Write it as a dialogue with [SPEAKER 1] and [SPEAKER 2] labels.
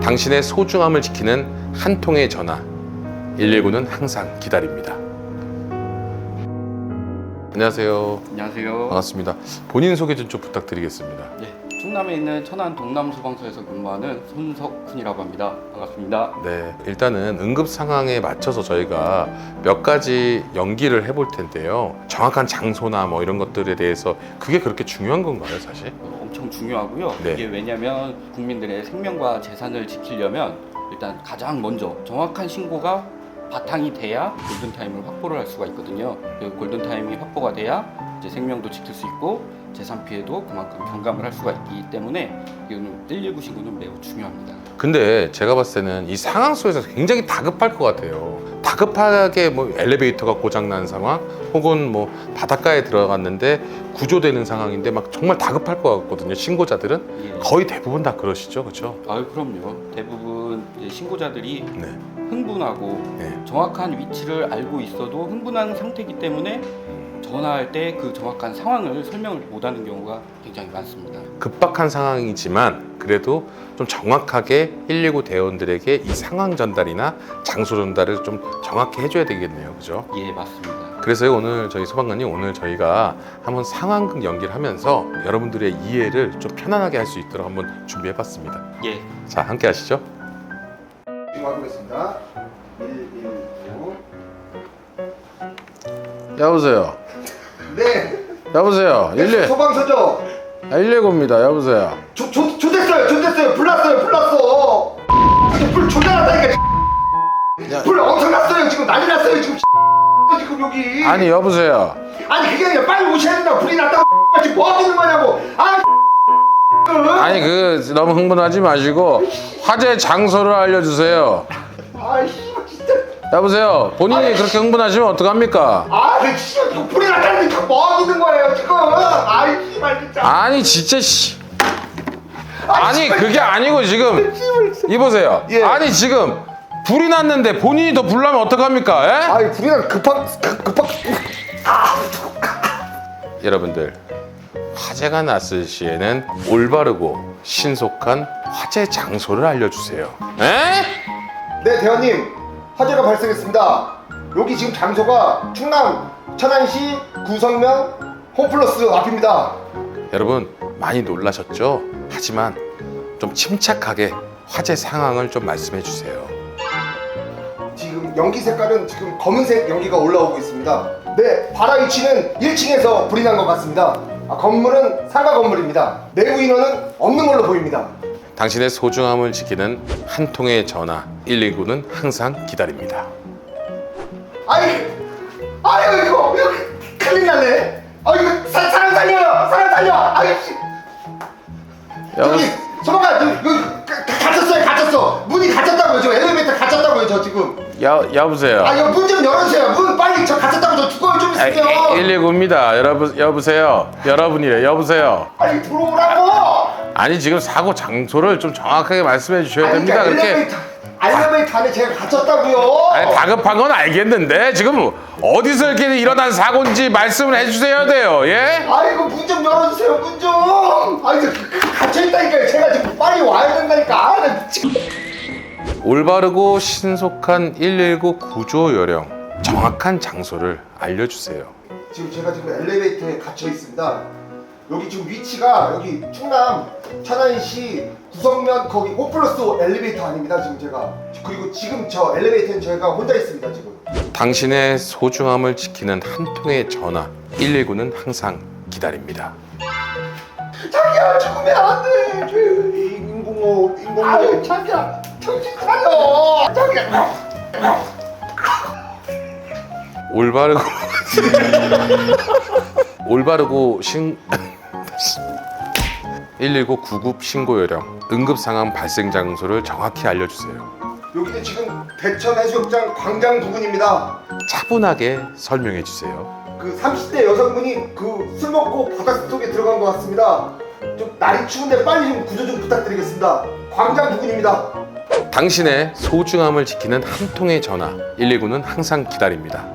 [SPEAKER 1] 당신의 소중함을 지키는 한 통의 전화 119는 항상 기다립니다. 안녕하세요.
[SPEAKER 2] 안녕하세요.
[SPEAKER 1] 반갑습니다. 본인 소개 좀 부탁드리겠습니다.
[SPEAKER 2] 네, 충남에 있는 천안 동남소방서에서 근무하는 손석훈이라고 합니다. 반갑습니다.
[SPEAKER 1] 네, 일단은 응급 상황에 맞춰서 저희가 몇 가지 연기를 해볼 텐데요. 정확한 장소나 뭐 이런 것들에 대해서 그게 그렇게 중요한 건가요, 사실?
[SPEAKER 2] 엄청 중요하고요.
[SPEAKER 1] 네.
[SPEAKER 2] 이게 왜냐하면 국민들의 생명과 재산을 지키려면 일단 가장 먼저 정확한 신고가 바탕이 돼야 골든타임을 확보를 할 수가 있거든요. 그 골든타임이 확보가 돼야 이제 생명도 지킬 수 있고 재산 피해도 그만큼 경감을 할 수가 있기 때문에 이거는 119 신고는 매우 중요합니다.
[SPEAKER 1] 근데 제가 봤을 때는 이 상황 속에서 굉장히 다급할 것 같아요. 다급하게 뭐 엘리베이터가 고장난 상황 혹은 뭐 바닷가에 들어갔는데 구조되는 상황인데 막 정말 다급할 것 같거든요. 신고자들은
[SPEAKER 2] 예.
[SPEAKER 1] 거의 대부분 다 그러시죠, 그렇죠?
[SPEAKER 2] 아유 그럼요. 대부분 이제 신고자들이
[SPEAKER 1] 네.
[SPEAKER 2] 흥분하고
[SPEAKER 1] 네.
[SPEAKER 2] 정확한 위치를 알고 있어도 흥분한 상태이기 때문에 전화할 때 그 정확한 상황을 설명을 못하는 경우가 굉장히 많습니다.
[SPEAKER 1] 급박한 상황이지만 그래도 좀 정확하게 119 대원들에게 이 상황 전달이나 장소 전달을 좀 정확히 해줘야 되겠네요, 그죠?
[SPEAKER 2] 예, 맞습니다.
[SPEAKER 1] 그래서 오늘 저희 소방관님 오늘 저희가 한번 상황극 연기를 하면서 여러분들의 이해를 좀 편안하게 할 수 있도록 한번 준비해봤습니다.
[SPEAKER 2] 예,
[SPEAKER 1] 자, 함께 하시죠.
[SPEAKER 3] 하겠습니다. 119.
[SPEAKER 1] 여보세요.
[SPEAKER 3] 네.
[SPEAKER 1] 여보세요. 119.
[SPEAKER 3] 소방서죠.
[SPEAKER 1] 119입니다. 여보세요.
[SPEAKER 3] 조됐어요. 불났어. 불 조달하다니까.
[SPEAKER 1] 야.
[SPEAKER 3] 불 엄청 났어요. 지금 난리 났어요. 지금 지금 여기.
[SPEAKER 1] 아니 여보세요.
[SPEAKER 3] 아니 그게 아니라 빨리 오셔야 된다. 불이 났다고 지금 뭐 하는 거냐고.
[SPEAKER 1] 아니 그 너무 흥분하지 마시고 화재 장소를 알려주세요.
[SPEAKER 3] 아이씨 진짜.
[SPEAKER 1] 여보세요. 본인이 그렇게 흥분하시면 어떡합니까?
[SPEAKER 3] 그 씨발 지금 불이 났다는데 뭐 하는 거예요 지금. 아이 씨발 진짜.
[SPEAKER 1] 아니 진짜 씨. 아니 그게 아니고 지금 이보세요.
[SPEAKER 3] 예.
[SPEAKER 1] 아니 지금 불이 났는데 본인이 더 불나면 어떡합니까? 예?
[SPEAKER 3] 아이 불이 난 급한.
[SPEAKER 1] 여러분들 화재가 났을 시에는 올바르고 신속한 화재 장소를 알려주세요. 에?
[SPEAKER 3] 네 대원님 화재가 발생했습니다. 여기 지금 장소가 충남 천안시 구성면 홈플러스 앞입니다.
[SPEAKER 1] 여러분 많이 놀라셨죠? 하지만 좀 침착하게 화재 상황을 좀 말씀해 주세요.
[SPEAKER 3] 지금 연기 색깔은 지금 검은색 연기가 올라오고 있습니다. 네, 발화 위치는 1층에서 불이 난 것 같습니다. 건물은 상가 건물입니다. 내부 인원은 없는 걸로 보입니다.
[SPEAKER 1] 당신의 소중함을 지키는 한 통의 전화 119는 항상 기다립니다.
[SPEAKER 3] 아유 이거 큰일 났네. 이거 사람 살려. 아유 씨. 여기 소방관 여기 갇혔어. 문이 갇혔다고요. 저 엘리베이터 갇혔다고요. 저 지금.
[SPEAKER 1] 여보세요.
[SPEAKER 3] 이거 문 좀 열어주세요. 문 빨리 저 갇혔다고 저 죽어요 좀 있으면.
[SPEAKER 1] 119입니다. 여보세요. 여러분이래. 여보세요.
[SPEAKER 3] 빨리 들어오라고.
[SPEAKER 1] 아니 지금 사고 장소를 좀 정확하게 말씀해 주셔야 됩니다. 그렇게
[SPEAKER 3] 엘리베이터 안에 제가 갇혔다고요.
[SPEAKER 1] 아니, 다급한 건 알겠는데 지금 어디서 이렇게 일어난 사고인지 말씀을 해주셔야 돼요. 예?
[SPEAKER 3] 아이고 문 좀 열어주세요. 문 좀. 아이고 갇혀있다니까요. 제가 지금 빨리 와야 된다니까. 나 미치겠...
[SPEAKER 1] 올바르고 신속한 119 구조 요령 정확한 장소를 알려주세요.
[SPEAKER 3] 지금 제가 지금 엘리베이터에 갇혀 있습니다. 여기 지금 위치가 여기 충남 천안시 구성면 거기 홈플러스 엘리베이터 아닙니다. 지금 제가 그리고 지금 저 엘리베이터는 저희가 혼자 있습니다. 지금.
[SPEAKER 1] 당신의 소중함을 지키는 한 통의 전화 119는 항상 기다립니다.
[SPEAKER 3] 자기야 죽으면 안 돼. 인공호. 아유 자기야 정신 차려. 자기야.
[SPEAKER 1] 올바르고 119 구급 신고 요령 응급 상황 발생 장소를 정확히 알려주세요.
[SPEAKER 3] 여기는 지금 대천해수욕장 광장 부근입니다.
[SPEAKER 1] 차분하게 설명해 주세요.
[SPEAKER 3] 그 30대 여성분이 그 술 먹고 바닷속에 들어간 것 같습니다. 좀 날이 추운데 빨리 좀 구조 좀 부탁드리겠습니다. 광장 부근입니다.
[SPEAKER 1] 당신의 소중함을 지키는 한 통의 전화 119는 항상 기다립니다.